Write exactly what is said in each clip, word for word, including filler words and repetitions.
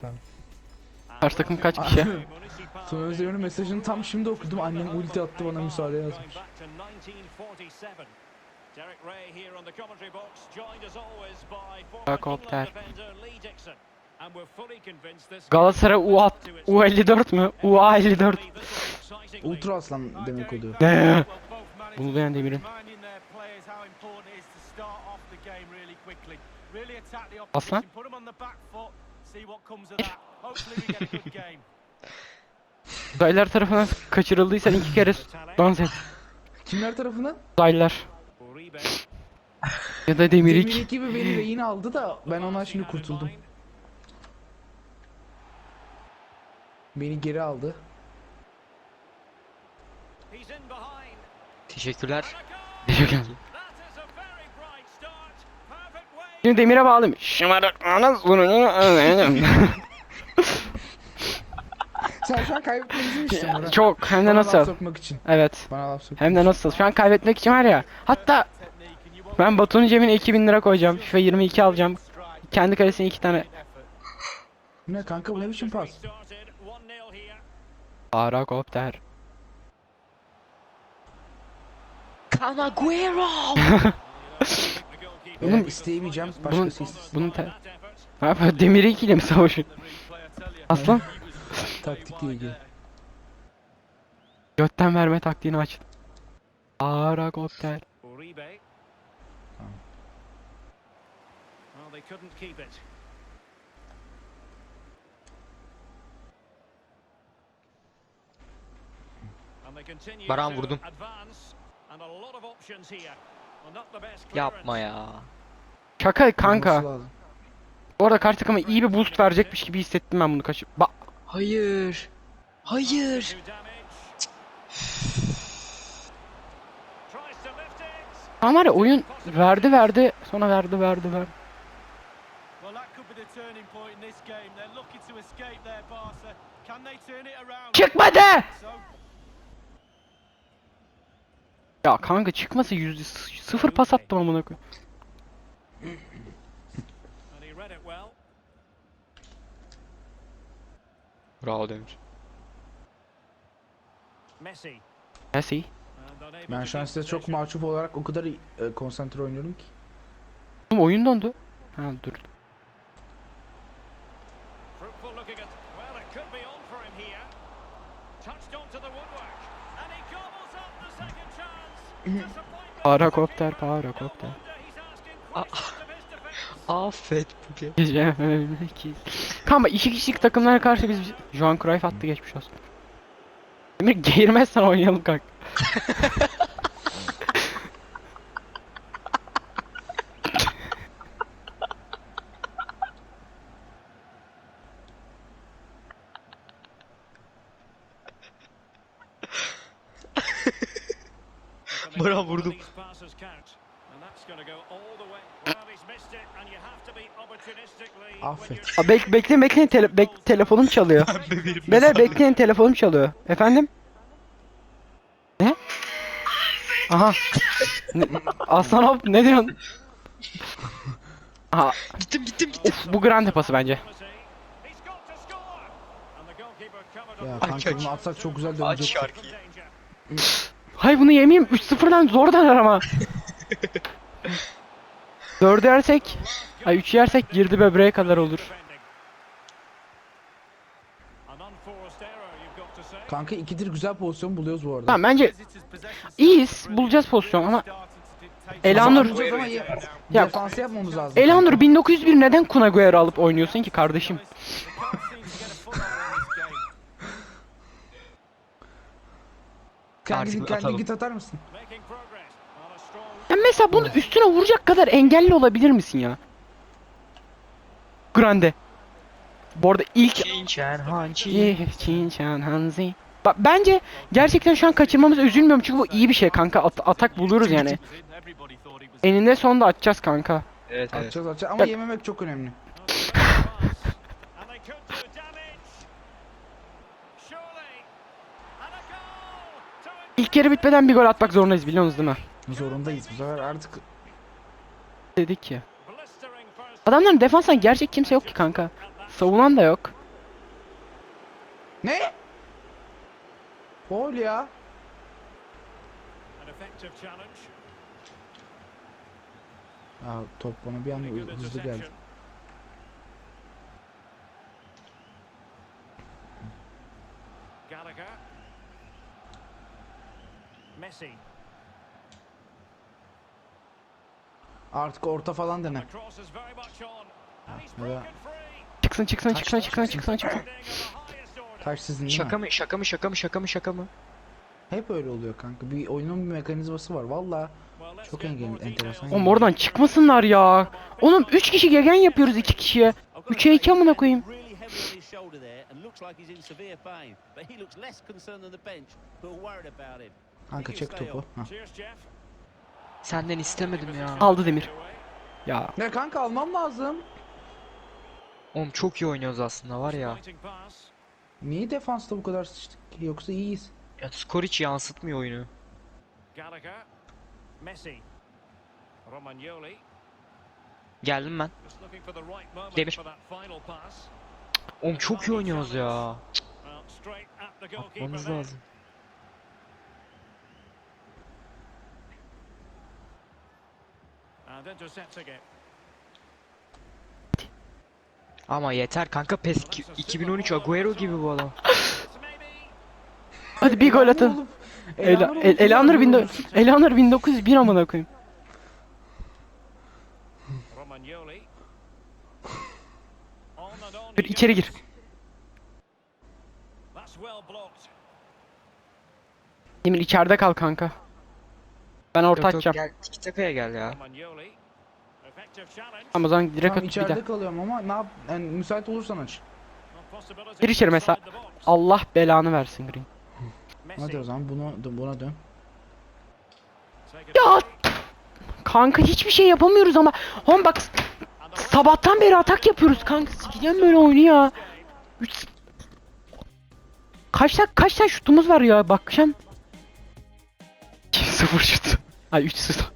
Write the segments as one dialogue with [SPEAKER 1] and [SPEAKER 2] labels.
[SPEAKER 1] Karşı takım kaç kişi?
[SPEAKER 2] Sonra Özdemir'in mesajını tam şimdi okudum. Annem ulti attı, bana müsaade yazmış.
[SPEAKER 1] Helikopter. Galatasaray U at, U elli dört mü? U A elli dört.
[SPEAKER 2] Ultra aslan demek oluyor.
[SPEAKER 1] Ne? Bunu beğen Demir'in. Aslan? Uzaylılar tarafından kaçırıldıysan iki kere dans et.
[SPEAKER 2] Kimler tarafından?
[SPEAKER 1] Uzaylılar. Ya da Demirik.
[SPEAKER 2] Demirik gibi beni rehin aldı da ben ondan şimdi kurtuldum. Beni geri aldı.
[SPEAKER 3] Teşekkürler.
[SPEAKER 1] Teşekkür Şimdi Demir'e bağlayayım. Şımarık anız bunu.
[SPEAKER 2] Sen şu an kaybetmemizi mi istiyorsun Murat?
[SPEAKER 1] Çok hem de
[SPEAKER 2] Bana laf
[SPEAKER 1] nasıl?
[SPEAKER 2] sokmak için.
[SPEAKER 1] Evet.
[SPEAKER 2] Bana laf sokmak
[SPEAKER 1] Hem de nasıl? Şu an kaybetmek için var ya. Hatta ben Batu'nun cebine iki bin lira koyacağım. FIFA yirmi iki alacağım. Kendi kalesine iki tane.
[SPEAKER 2] Ne kanka, bu ne biçim pas?
[SPEAKER 1] Helikopter.
[SPEAKER 3] Canaguero.
[SPEAKER 2] Bunun isteyemeyeceğim,
[SPEAKER 1] Bunun
[SPEAKER 2] başkası istesin.
[SPEAKER 1] bunun te... Ne yapıyor? Demir iki ile mi savaşıyor? Aslan.
[SPEAKER 2] Taktikle ilgili.
[SPEAKER 1] Götten verme taktiğini aç. Helikopter.
[SPEAKER 3] Baran vurdum. Yapma ya.
[SPEAKER 1] Şaka kanka.
[SPEAKER 2] Olması lazım.
[SPEAKER 1] Bu arada karşı takıma iyi bir boost verecekmiş gibi hissettim ben bunu kaçıp. Ba
[SPEAKER 3] Hayır. Hayır.
[SPEAKER 1] Ama var ya, oyun verdi verdi sonra verdi verdi verdi. Çıkmadı. Ya kanka çıkması yüzde sıfır pas attım amına koyayım.
[SPEAKER 3] Bravo Demir.
[SPEAKER 1] Messi.
[SPEAKER 2] Ben şu an size çok mahcup olarak o kadar e, konsantre oynuyorum ki.
[SPEAKER 1] Oğlum oyun dondu. Ha dur. Parakopter parakopter.
[SPEAKER 3] Affet bugün.
[SPEAKER 1] Geçememek ki. Kanka iki kişilik takımlara karşı biz Johan Cruyff attı, geçmiş olsun. Emir geğirmezsen oynayalım kanka.
[SPEAKER 3] Baran vurdum.
[SPEAKER 2] Affet.
[SPEAKER 1] Aa, bek bekleyin bekleyin tele bek telefonum çalıyor. Beyler bekleyin, telefonum çalıyor. Efendim? Ne? Aha. Ne, Aslan hop ne diyorsun? Aha.
[SPEAKER 3] Gittim gittim gittim.
[SPEAKER 1] Of, bu grande pası bence.
[SPEAKER 2] Ya
[SPEAKER 3] Aç,
[SPEAKER 2] kanka
[SPEAKER 3] aç.
[SPEAKER 2] bunu atsak çok güzel
[SPEAKER 3] Aç
[SPEAKER 2] dönecek.
[SPEAKER 3] şarkıyı.
[SPEAKER 1] Hay bunu yemeyeyim, üç sıfırdan zor döner ama. dört yersek, ay üç yersek girdi böbreğe kadar olur.
[SPEAKER 2] Kanka ikidir güzel pozisyon buluyoruz bu arada.
[SPEAKER 1] Tamam bence iyiyiz, bulacağız pozisyon ama Elanur,
[SPEAKER 2] Bulacağız ama ya,
[SPEAKER 1] Ya-
[SPEAKER 2] defansı yapmamız lazım.
[SPEAKER 1] Elanur bin dokuz yüz bir neden Kun Agüero alıp oynuyorsun ki kardeşim?
[SPEAKER 2] Kendi,
[SPEAKER 3] Artık
[SPEAKER 2] kendi
[SPEAKER 3] atalım.
[SPEAKER 2] git atar mısın?
[SPEAKER 1] Ya mesela bunu üstüne vuracak kadar engelli olabilir misin ya? Grande. Bu arada ilk
[SPEAKER 3] Çinçen hançi.
[SPEAKER 1] Çin Şan Hanzi. Ba- Bence gerçekten şu an kaçırmamız, üzülmüyorum çünkü bu iyi bir şey kanka. At- atak buluruz yani. Eninde sonunda atacağız kanka.
[SPEAKER 3] Evet evet.
[SPEAKER 2] Atacağız atacağız ama
[SPEAKER 1] Bak-
[SPEAKER 2] yememek çok önemli.
[SPEAKER 1] İlk yarı bitmeden bir gol atmak zorundayız, biliyorsunuz değil mi?
[SPEAKER 2] Zorundayız bu sefer artık.
[SPEAKER 1] Dedik ki. Adamların defanstan gerçek kimse yok ki kanka. Savunan da yok.
[SPEAKER 2] Ne? Gol ya.
[SPEAKER 4] An effective challenge.
[SPEAKER 2] Ya top bana bir anda
[SPEAKER 4] Good
[SPEAKER 2] hızlı geldi.
[SPEAKER 4] interception. Gallagher. Messi.
[SPEAKER 2] Artık orta falan dene.
[SPEAKER 4] The cross is very much on. And he's
[SPEAKER 2] Ya da
[SPEAKER 4] broken free.
[SPEAKER 1] Çıksın çıksın çıksın çıksın çıksın çıksın.
[SPEAKER 4] Defending of the highest order.
[SPEAKER 2] taş sizin değil
[SPEAKER 3] Şaka
[SPEAKER 2] mi?
[SPEAKER 3] mı şaka mı şaka mı şaka mı şaka mı?
[SPEAKER 2] Hep öyle oluyor kanka. Bir oyunun bir mekanizması var. Valla
[SPEAKER 4] Well, let's
[SPEAKER 2] çok
[SPEAKER 4] get
[SPEAKER 2] engel,
[SPEAKER 4] more
[SPEAKER 2] enteresan.
[SPEAKER 4] details.
[SPEAKER 1] Oğlum oradan çıkmasınlar ya. Oğlum üç kişi gegen yapıyoruz iki kişiye. üçe iki amına koyayım.
[SPEAKER 5] Really heavy on his shoulder there and looks like he's in severe pain. But he looks less concerned than the bench who are worried about him.
[SPEAKER 2] Kanka çek topu. Hah.
[SPEAKER 4] Cheers, Jeff.
[SPEAKER 3] Senden istemedim ya.
[SPEAKER 1] Aldı Demir. Ya
[SPEAKER 2] Ne kanka almam lazım.
[SPEAKER 3] Oğlum çok iyi oynuyoruz aslında var ya.
[SPEAKER 4] Fighting pass.
[SPEAKER 2] Niye defansta bu kadar sıçtık ki? Yoksa iyiyiz.
[SPEAKER 3] Ya skor hiç yansıtmıyor oyunu.
[SPEAKER 4] Gallagher. Messi. Romagnoli.
[SPEAKER 3] Geldim ben.
[SPEAKER 4] Just looking for the right moment
[SPEAKER 3] Demir.
[SPEAKER 4] for that final pass.
[SPEAKER 3] Oğlum çok iyi oynuyoruz ya.
[SPEAKER 4] Well, straight at the goalkeeper
[SPEAKER 3] Atmanız
[SPEAKER 4] there.
[SPEAKER 3] lazım.
[SPEAKER 4] And intercepts again.
[SPEAKER 3] Ama yeter kanka PES iki- iki bin on üç Agüero gibi bu adam.
[SPEAKER 4] Maybe.
[SPEAKER 1] hadi bir gol atın.
[SPEAKER 2] Olup-
[SPEAKER 1] Ela,
[SPEAKER 2] Elanur
[SPEAKER 1] El,
[SPEAKER 2] olup-
[SPEAKER 1] Elanur bin Elanur bin dokuz yüz bir amına koyayım.
[SPEAKER 4] Romagnoli. On and on
[SPEAKER 1] Bir
[SPEAKER 4] he
[SPEAKER 1] içeri gir.
[SPEAKER 4] goes. That's well blocked.
[SPEAKER 1] Demir içeride kal kanka. Ben orta
[SPEAKER 3] Yok yok
[SPEAKER 1] açacağım.
[SPEAKER 3] gel tiki takaya gel ya.
[SPEAKER 4] Romagnoli. Effective challenge.
[SPEAKER 1] Ama o zaman direkt
[SPEAKER 2] Tamam
[SPEAKER 1] at bir
[SPEAKER 2] içeride
[SPEAKER 1] daha.
[SPEAKER 2] kalıyorum ama ne yap? Yani müsait olursan aç.
[SPEAKER 4] No possibility
[SPEAKER 1] Gir içeri mesela.
[SPEAKER 4] inside the box.
[SPEAKER 1] Allah belanı versin Green.
[SPEAKER 4] Messi.
[SPEAKER 2] Hadi o zaman bunu buna dön.
[SPEAKER 4] Take it
[SPEAKER 1] Ya
[SPEAKER 4] away.
[SPEAKER 1] kanka hiçbir şey yapamıyoruz ama. Oğlum bak
[SPEAKER 4] And the
[SPEAKER 1] sabahtan beri atak yapıyoruz kanka. Sikeceğim böyle oyunu ya. Üç... Kaç tane kaç tane şutumuz var ya bakacağım. iki sıfır şut. Ay üç sıfır.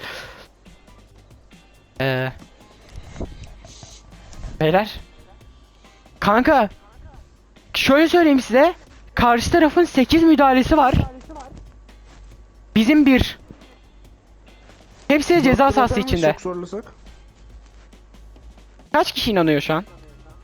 [SPEAKER 1] Eee. Beyler. Kanka. Şöyle söyleyeyim size. Karşı tarafın sekiz müdahalesi var. Bizim bir. Hepsi de ceza sahası içinde.
[SPEAKER 2] Çok zorlasak.
[SPEAKER 1] Kaç kişi inanıyor şu an?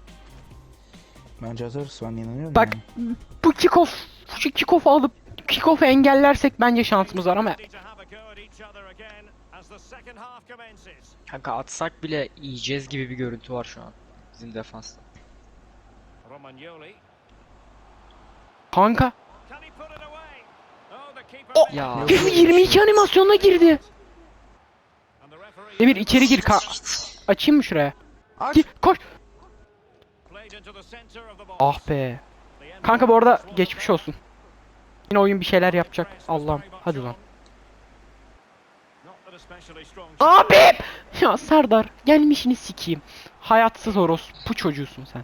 [SPEAKER 2] Bence hazırız, ben inanıyorum.
[SPEAKER 1] Bak
[SPEAKER 2] yani.
[SPEAKER 1] bu kickoff, şu kickoff'u alıp kickoff'u engellersek bence şansımız var ama
[SPEAKER 4] ready to have a go at each other again as the second half commences.
[SPEAKER 3] Kanka atsak bile yiyeceğiz gibi bir görüntü var şu an. Bizim defansta.
[SPEAKER 4] Romagnoli.
[SPEAKER 1] kanka
[SPEAKER 4] Can he put it away? Oh, the keeper.
[SPEAKER 1] O-
[SPEAKER 3] Ya.
[SPEAKER 4] made it.
[SPEAKER 1] yirmi iki animasyonuna girdi.
[SPEAKER 4] And the referee
[SPEAKER 1] Demir içeri gir ka açayım mı şuraya?
[SPEAKER 2] Aç.
[SPEAKER 1] Gir koş.
[SPEAKER 4] played into the center of the box.
[SPEAKER 1] Ah be.
[SPEAKER 4] The end
[SPEAKER 1] Kanka bu
[SPEAKER 4] result
[SPEAKER 1] arada
[SPEAKER 4] was
[SPEAKER 1] geçmiş
[SPEAKER 4] one.
[SPEAKER 1] olsun. Yine oyun bir şeyler yapacak.
[SPEAKER 4] Press was
[SPEAKER 1] Allah'ım
[SPEAKER 4] very much
[SPEAKER 1] hadi lan.
[SPEAKER 4] on. Not that especially strong.
[SPEAKER 1] Abi! Ya Serdar gelmişini sikeyim. Hayatsız orospu çocuğusun sen.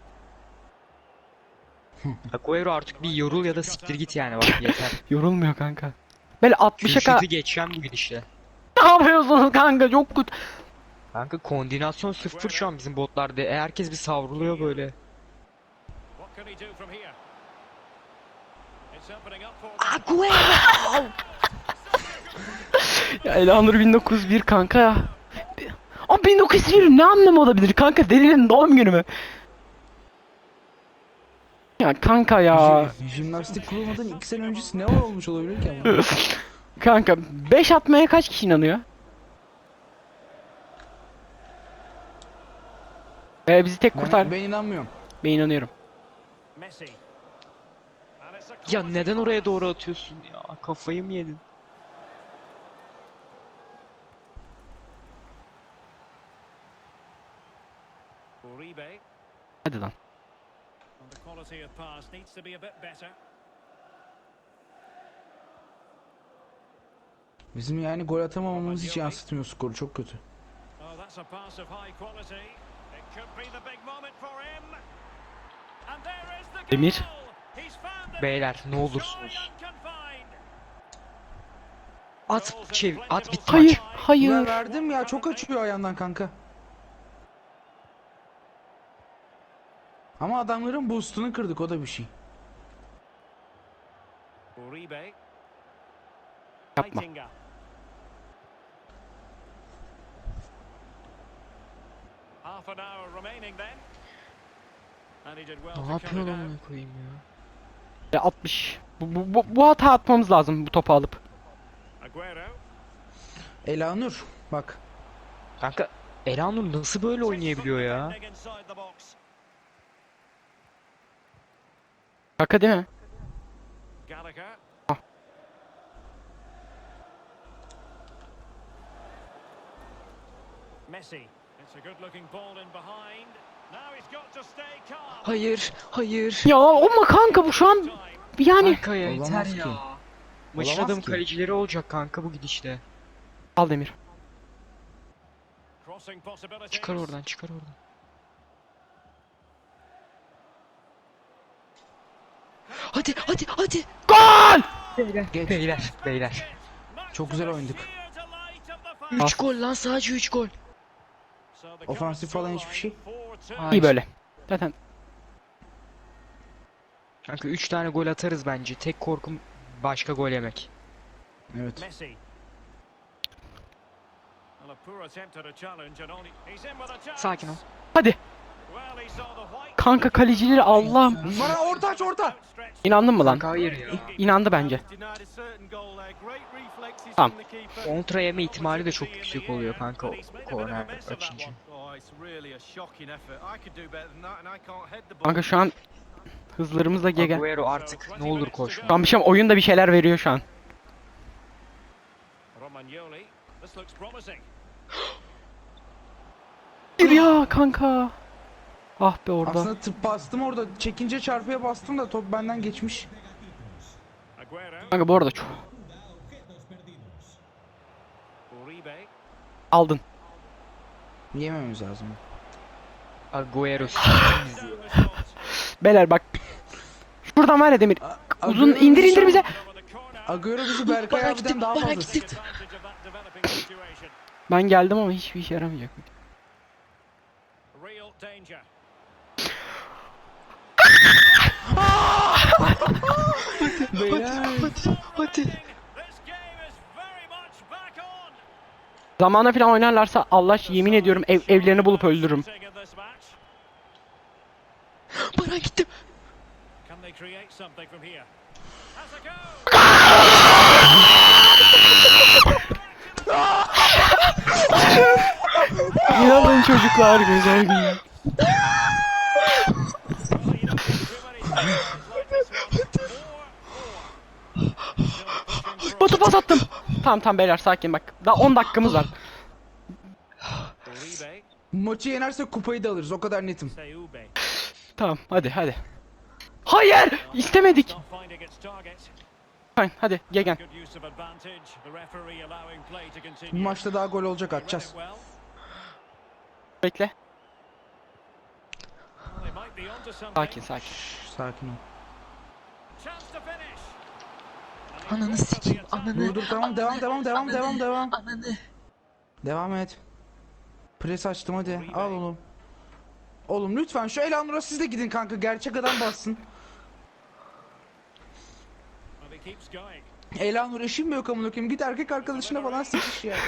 [SPEAKER 3] Agüero artık bir yorul ya da siktir git yani bak yeter.
[SPEAKER 1] Yorulmuyor kanka. Böyle altmışa ka...
[SPEAKER 3] Kürşat'ı geçeceğim bu gidişle.
[SPEAKER 1] Ne yapıyorsunuz kanka çok kötü.
[SPEAKER 3] Kanka koordinasyon sıfır şu an bizim botlarda. E, herkes bir savruluyor böyle.
[SPEAKER 4] What can he do from here? It's opening up for them.
[SPEAKER 3] Agüero!
[SPEAKER 1] Ya Elanur bin dokuz yüz bir kanka ya. Ama bin dokuz yüz bir ne anlamı olabilir kanka? Delinin doğum günü mü? Ya kanka ya.
[SPEAKER 2] Jim- Jimnastik kurulmadan iki sene öncesi ne olmuş olabilir ki ama?
[SPEAKER 1] Kanka beş atmaya kaç kişi inanıyor? Ee, bizi tek kurtar.
[SPEAKER 2] Ben, ben inanmıyorum.
[SPEAKER 1] Ben inanıyorum.
[SPEAKER 4] Messi. And it's a
[SPEAKER 3] Ya
[SPEAKER 4] quality
[SPEAKER 3] neden
[SPEAKER 4] pass.
[SPEAKER 3] oraya doğru atıyorsun ya? Kafayı mı yedin?
[SPEAKER 4] Uribe.
[SPEAKER 1] Hadi lan.
[SPEAKER 4] And the quality of pass needs to be a bit better.
[SPEAKER 2] Bizim yani gol atamamamız hiç yansıtmıyor skoru, çok kötü.
[SPEAKER 4] Oh, that's a pass of high quality. It could be the big moment for him. And there is the goal.
[SPEAKER 1] Demir.
[SPEAKER 4] He's found the
[SPEAKER 3] Beyler
[SPEAKER 4] net.
[SPEAKER 3] ne olursunuz.
[SPEAKER 4] Scoring unconfined.
[SPEAKER 3] At çev at bitti
[SPEAKER 1] Hayır,
[SPEAKER 3] maç.
[SPEAKER 2] Ben
[SPEAKER 1] hayır.
[SPEAKER 2] verdim ya, çok açıyor ayağından kanka. Ama adamların boostunu kırdık, o da bir şey.
[SPEAKER 4] Uribe.
[SPEAKER 1] Yapma.
[SPEAKER 4] Heitinga. Half an hour remaining then. And he did well
[SPEAKER 3] Ne
[SPEAKER 4] to cut
[SPEAKER 3] yapıyor
[SPEAKER 4] it
[SPEAKER 3] lan
[SPEAKER 4] out.
[SPEAKER 3] bunu koyayım ya?
[SPEAKER 1] Ya altmış. Bu, bu, bu, bu hata atmamız lazım bu topu alıp.
[SPEAKER 4] Aguero.
[SPEAKER 2] Elanur bak.
[SPEAKER 3] Kanka Elanur nasıl böyle oynayabiliyor ya?
[SPEAKER 4] Defending inside the box.
[SPEAKER 1] Şaka değil mi?
[SPEAKER 4] Gallagher.
[SPEAKER 1] Ah.
[SPEAKER 4] Messi. It's a good looking ball in behind. Now he's got to stay calm.
[SPEAKER 3] Hayır, hayır.
[SPEAKER 1] Ya ama kanka bu şu an
[SPEAKER 4] Time.
[SPEAKER 1] yani.
[SPEAKER 3] Kanka ya yeter
[SPEAKER 2] Olamaz
[SPEAKER 3] ya.
[SPEAKER 2] ki.
[SPEAKER 3] Maçın
[SPEAKER 2] Olamaz
[SPEAKER 3] adamı
[SPEAKER 2] ki.
[SPEAKER 3] kalecileri olacak kanka bu gidişle.
[SPEAKER 1] Al Demir.
[SPEAKER 4] Crossing possibilities.
[SPEAKER 3] Çıkar oradan, çıkar oradan. Hadi, hadi, hadi.
[SPEAKER 1] Gol!
[SPEAKER 3] Beyler,
[SPEAKER 2] Geç.
[SPEAKER 3] beyler, beyler.
[SPEAKER 2] Çok güzel oynadık.
[SPEAKER 3] üç gol lan, sadece üç gol.
[SPEAKER 2] Ofansif falan hiçbir şey.
[SPEAKER 3] Hayır.
[SPEAKER 1] İyi böyle. Zaten
[SPEAKER 3] Kanka üç tane gol atarız bence. Tek korkum başka gol yemek.
[SPEAKER 2] Evet.
[SPEAKER 4] Messi. Well, a poor attempt at a challenge and only he's in with a chance.
[SPEAKER 3] Sakin ol.
[SPEAKER 1] hadi.
[SPEAKER 4] Well, he saw the white.
[SPEAKER 1] Kanka kalecileri Allah'ım.
[SPEAKER 2] Bana orta aç, orta.
[SPEAKER 1] İnandın mı lan?
[SPEAKER 3] Kanka hayır ya.
[SPEAKER 1] İnandı bence. Tamam.
[SPEAKER 3] Kontra yeme ihtimali de çok yüksek oluyor kanka o korner açınca.
[SPEAKER 1] Kanka şu an hızlarımızla gegen.
[SPEAKER 3] Agüero artık ne olur koşma.
[SPEAKER 1] Şu an bir şey oyun da bir şeyler veriyor şu an.
[SPEAKER 4] Romagnoli. This looks promising.
[SPEAKER 1] Bir ya kanka. Ah be orada.
[SPEAKER 2] Aslında tıp bastım orada. Çekince çarpıya bastım da top benden geçmiş.
[SPEAKER 4] Aguero.
[SPEAKER 1] Kanka bu arada çok
[SPEAKER 4] Uribe.
[SPEAKER 1] aldın.
[SPEAKER 2] Yememiz lazım.
[SPEAKER 3] Agüero s*** bizi ya.
[SPEAKER 1] Beyler bak. Şuradan var ya Demir. Uzun
[SPEAKER 2] Agüero
[SPEAKER 1] indir
[SPEAKER 2] bizi
[SPEAKER 1] indir
[SPEAKER 2] şu-
[SPEAKER 1] bize.
[SPEAKER 2] Agüero bizi Berkay
[SPEAKER 3] Bana
[SPEAKER 2] abiden
[SPEAKER 3] gittim,
[SPEAKER 2] daha
[SPEAKER 3] bana
[SPEAKER 2] fazla
[SPEAKER 3] gittim.
[SPEAKER 2] sıktı.
[SPEAKER 4] Advantage of that developing situation.
[SPEAKER 1] Ben geldim ama hiçbir işe yaramayacak.
[SPEAKER 4] Real danger.
[SPEAKER 2] Beyler.
[SPEAKER 3] Hadi.
[SPEAKER 4] This game is very much back on.
[SPEAKER 1] Zamana falan oynarlarsa Allah yemin ediyorum ev, evlerini bulup öldürürüm.
[SPEAKER 4] In this match.
[SPEAKER 3] Bana gittim.
[SPEAKER 4] Can they create something from here? Has a go.
[SPEAKER 1] İnanın çocuklar güzel günler.
[SPEAKER 4] Well, you don't get too many chances like this one. More, more.
[SPEAKER 1] Botu pas attım. Tamam tamam beyler sakin bak. Daha on dakikamız var.
[SPEAKER 4] Uribe.
[SPEAKER 2] Maçı yenersek kupayı da alırız, o kadar netim.
[SPEAKER 4] Seube.
[SPEAKER 1] Tamam hadi hadi. Hayır istemedik.
[SPEAKER 4] Not finding its target.
[SPEAKER 1] Fine, hadi gegen.
[SPEAKER 4] Good use of advantage. The referee allowing play to
[SPEAKER 2] Bu
[SPEAKER 4] continue.
[SPEAKER 2] maçta daha gol olacak,
[SPEAKER 4] They read
[SPEAKER 2] atacağız.
[SPEAKER 4] it well.
[SPEAKER 1] Bekle.
[SPEAKER 4] Well, they might be onto something.
[SPEAKER 1] Sakin sakin.
[SPEAKER 2] Şşş, sakin ol.
[SPEAKER 4] Chance to finish.
[SPEAKER 3] Ananı sikeyim, ananı.
[SPEAKER 2] Dur dur, tamam, devam devam devam devam devam.
[SPEAKER 3] Ananı.
[SPEAKER 2] Devam et. Pres açtım, hadi al oğlum. Oğlum lütfen şu Elanur'a siz de gidin kanka, gerçek adam bassın.
[SPEAKER 4] Well, he keeps going.
[SPEAKER 2] Elanur eşim mi yok amına koyayım, git erkek arkadaşına falan sıkış ya.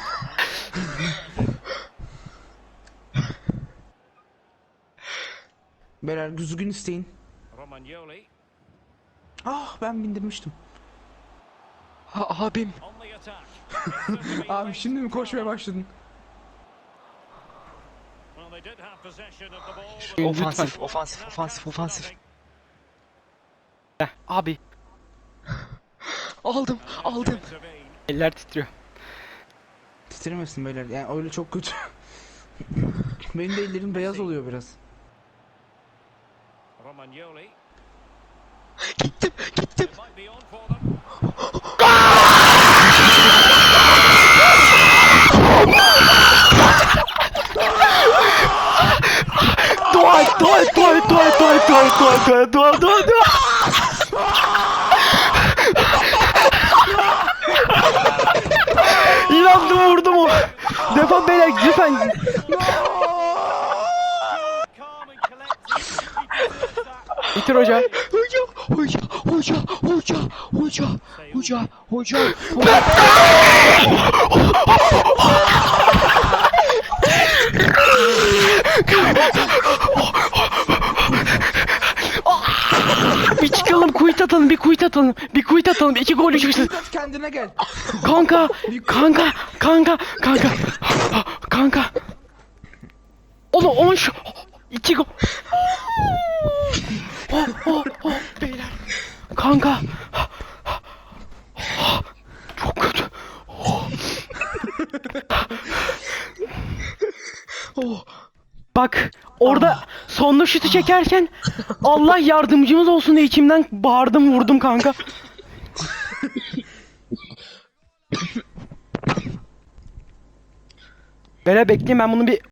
[SPEAKER 2] Beyler düzgün isteyin.
[SPEAKER 4] Romagnoli
[SPEAKER 2] Ah, ben bindirmiştim.
[SPEAKER 3] Ha, abim.
[SPEAKER 4] on the attack. It's certainly
[SPEAKER 2] Abi
[SPEAKER 4] late
[SPEAKER 2] şimdi mi
[SPEAKER 4] for
[SPEAKER 2] koşmaya
[SPEAKER 4] him.
[SPEAKER 2] başladın?
[SPEAKER 4] Well, they did have possession of the ball, but
[SPEAKER 3] Ofansif,
[SPEAKER 4] looking
[SPEAKER 3] ofansif,
[SPEAKER 4] not
[SPEAKER 3] ofansif,
[SPEAKER 4] catching
[SPEAKER 3] ofansif.
[SPEAKER 4] nothing.
[SPEAKER 1] Heh, abi
[SPEAKER 3] Aldım, aldım.
[SPEAKER 4] Intervene.
[SPEAKER 1] eller titriyor.
[SPEAKER 2] Titremesin beyler, yani öyle çok kötü. Benim de ellerim beyaz oluyor biraz.
[SPEAKER 4] Romagnoli.
[SPEAKER 3] Gittim, gittim.
[SPEAKER 4] It might be on for them.
[SPEAKER 1] Dua et dua et dua et dua et dua et dua et dua et dua et dua dua dua. İnandım vurdum o. Defan beyler lütfen.
[SPEAKER 4] Calm and collected.
[SPEAKER 1] Bitir hoca.
[SPEAKER 3] Hoca, hoca, hoca, hoca, hoca, hoca, hoca.
[SPEAKER 1] Bir çıkalım, quit atalım, bir quit atalım. Bir quit atalım. İki gol çıksın.
[SPEAKER 2] Biraz kendine gel.
[SPEAKER 1] Kanka, kanka, kanka, kanka. Kanka. Oğlum on şu. İki gol. Oh, oh, oh, beyler. Kanka. Çok kötü. Oh. Bak orada sonlu şutu çekerken Allah yardımcımız olsun diye içimden bağırdım vurdum kanka. Beyler bekleyin ben bunu bir